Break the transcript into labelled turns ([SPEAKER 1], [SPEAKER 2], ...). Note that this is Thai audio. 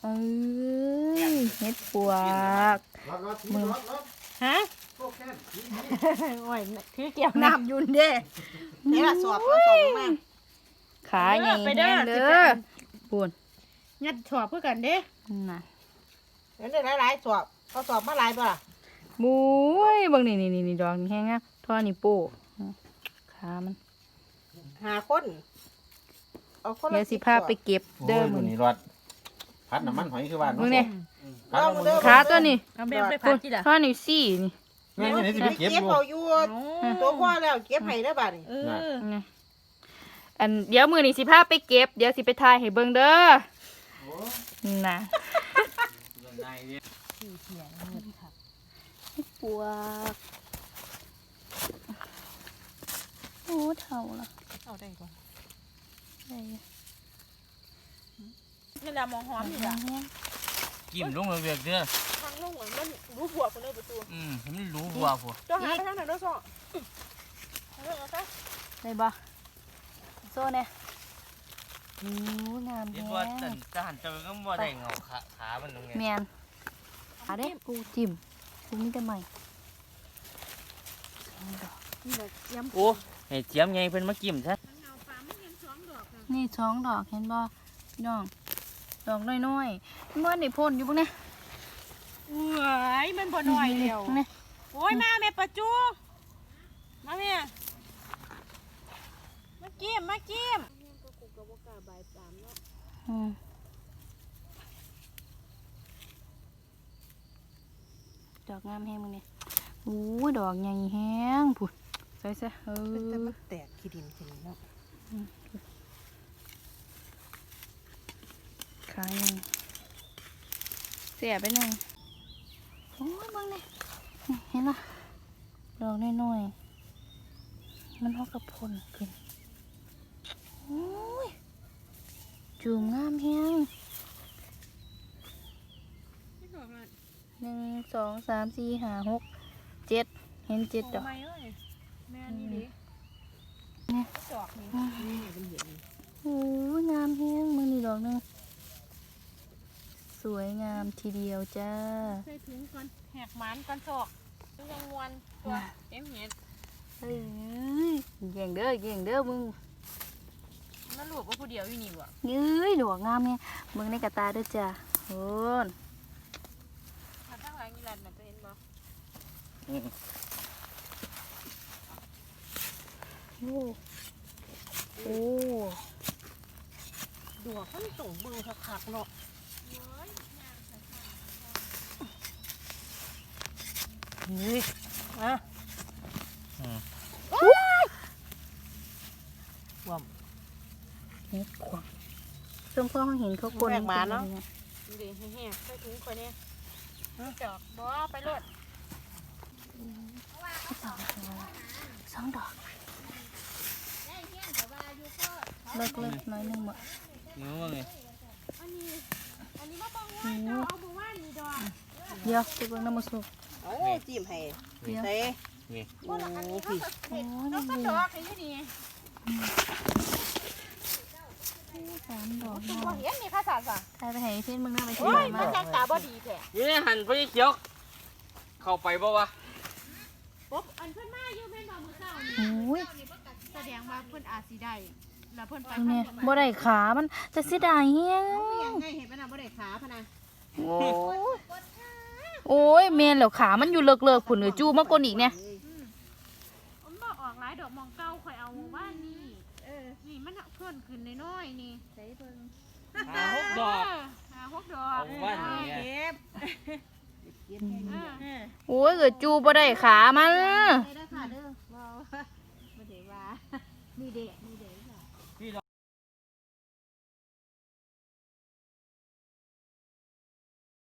[SPEAKER 1] เอ้ยเฮ็ดปวกมึง
[SPEAKER 2] ฮะโอ้ยถือเกี่ยวน้ำยุนเด้นี่ล่ะสอบมา
[SPEAKER 1] ขาใหญ่แห้งเด้อปูน
[SPEAKER 2] ยัดสอบเพื่อกันเด้
[SPEAKER 1] น่ะ
[SPEAKER 2] เดี๋ยวหลายๆสอบเขาสอบมาหลายป่ะล่ะ
[SPEAKER 1] บุ้ยบางนี่ดอกแห้งอ่ะท่อนี่ปูขามัน
[SPEAKER 2] 5 คนเอาคน
[SPEAKER 1] เดี๋ยวสิพาไปเก็บเด้อมึง
[SPEAKER 3] นี่รถพัดน้ำมันหอยคือว่า
[SPEAKER 1] มึงเนี่ยขาตัวนี้
[SPEAKER 2] เอาแบบไปพัดที่ล่ะ
[SPEAKER 1] ท่อนี่สี่นี่
[SPEAKER 3] นี่สิไปเก็บ
[SPEAKER 2] อยู่ตัวพ่อแล้วเก็บให้ได้บัดนี่
[SPEAKER 1] อันเดี๋ยวมือนี่สิพาไปเก็บเดี๋ยวสิไปถ่ายให้เบิ่งเด้อน่ะปวกโอ้เท่าละ
[SPEAKER 2] เอาได้ก่อน
[SPEAKER 1] ได้
[SPEAKER 2] นี่แหละมองหอมนี่ล่ะ
[SPEAKER 3] จิ้มลงเวียกเด้อ
[SPEAKER 2] ทางลงเหมือนมันรู้บวกคนเลยประตู
[SPEAKER 3] มันรู้บวกพอ
[SPEAKER 2] จ้าหาไปทางไหนด้วยซ้อ
[SPEAKER 1] ได้บ่โซ่เนี่ยงามแฮะ
[SPEAKER 3] จะหันจะก็บ่ได้เงาขามันตรงนี้
[SPEAKER 1] แมนเอาเด้ปูจิ้มปูมีแต่ใหม่
[SPEAKER 3] โอ้ให้เจียมไงเพิ่นมาจิ้มซะ
[SPEAKER 1] นี่2 ดอกเห็นบ่พี่น้องดอกน้อยๆมันได้พ่นอยู่บ่เนี่ย
[SPEAKER 2] เอ้ยมันบ่น้อยเดียวโอ้ยมาแม่ประจูมาแม่มาจิ้ม
[SPEAKER 1] ดอกงามแห้งมึงเนี่ยโอ้ยดอกใหญ่แห้งผุดใส่แต่
[SPEAKER 2] มันแตกขี้ดินขึ้นเนาะ
[SPEAKER 1] ขายยังเสียไปหนึ่งโอ้ยมึงเนี่ยเห็นปะดอกน้อยๆมันเอากระพนขึ้นโอ้ยจูงงามแห้ง1 2 3 4 5 6 7เห็น7 ดอก
[SPEAKER 2] แม่นี่ดิ
[SPEAKER 1] เนี่ย
[SPEAKER 2] ดอกนี่
[SPEAKER 1] โอ้ยงามแห้งมึงนี่ดอกนึงสวยงามทีเดียวจ้า
[SPEAKER 2] ใส่ถุงก่อนแหกหมันก่อนศอกยังงวนตัวเอ็มเห็ด
[SPEAKER 1] เฮ้ยเก่งเด้อมึง
[SPEAKER 2] มันหลวกว่าผู้เดียวอยู่นี่วะ
[SPEAKER 1] ยื้ยดอกงามเนี่ยมึงในกระตาด้วยจ้าโอ้น
[SPEAKER 2] ข้างหลังนี่แหละมันจะเห็นบ่
[SPEAKER 1] โอ้
[SPEAKER 2] ดอกมันส่งเบิ่งคักๆเนาะนี่ว่ำ
[SPEAKER 1] นี่ขวางช่วงพ่อเห็นเขาคน
[SPEAKER 2] แบกมาเนาะดีแห้งๆใส่ถุงคนนี้จอกบ่ไปรถ
[SPEAKER 1] 2 ดอกเลิกน้อยนึงหมด
[SPEAKER 3] นี่ว่าไง
[SPEAKER 2] อันนี้มาบังว่าเราเอาบังว่านี่ดอก
[SPEAKER 1] เดี๋ยวจะเบิ่งน้ำมันสุก
[SPEAKER 2] โอ้จิ้มให้ใส่
[SPEAKER 3] นี่
[SPEAKER 2] โอ้พี่น้องก็ดอกนี่นี่
[SPEAKER 1] 3 ดอก
[SPEAKER 2] ตัวเห็นนี่ค่ะสา
[SPEAKER 1] ใครไปให้เพื่อนมึงน่าไปที่
[SPEAKER 2] ไหน
[SPEAKER 1] มา
[SPEAKER 2] มันยังตาบ่ดีแท้
[SPEAKER 3] นี่หันไปเขียวเข้าไปบ่วะ
[SPEAKER 2] ปุ๊บอันเพิ่นมาอยู่แม่นบ่มื้อเช้านี่แสดงว่าเพิ่นอาจสิได้แล้วเพิ่นไป
[SPEAKER 1] เนี่ยบ่ได้ขามันจะเสียดายเฮียง
[SPEAKER 2] ยังไงเห็นป่ะน่ะบ่ได้ขาพะนะ
[SPEAKER 1] โอ้ยแม่นแล้วขามันอยู่เลิกๆผุ่นเอ้ยจูมากกว่าอีกเนี่ย
[SPEAKER 2] มันบ่ออกหลายดอกมองเก่าข่อยเอาว่านี่นี่มันเพิ่นขึ้นน้อยๆนี่ใส่เบิ่ง
[SPEAKER 3] 6 ดอก
[SPEAKER 2] 6 ดอก
[SPEAKER 3] เอาว่านี่เก็บ
[SPEAKER 1] โอ้ยเอ้ยจูบ่ได้ขามัน
[SPEAKER 2] ได้ค่ะเด้อบ่ได้ว่านี่เด้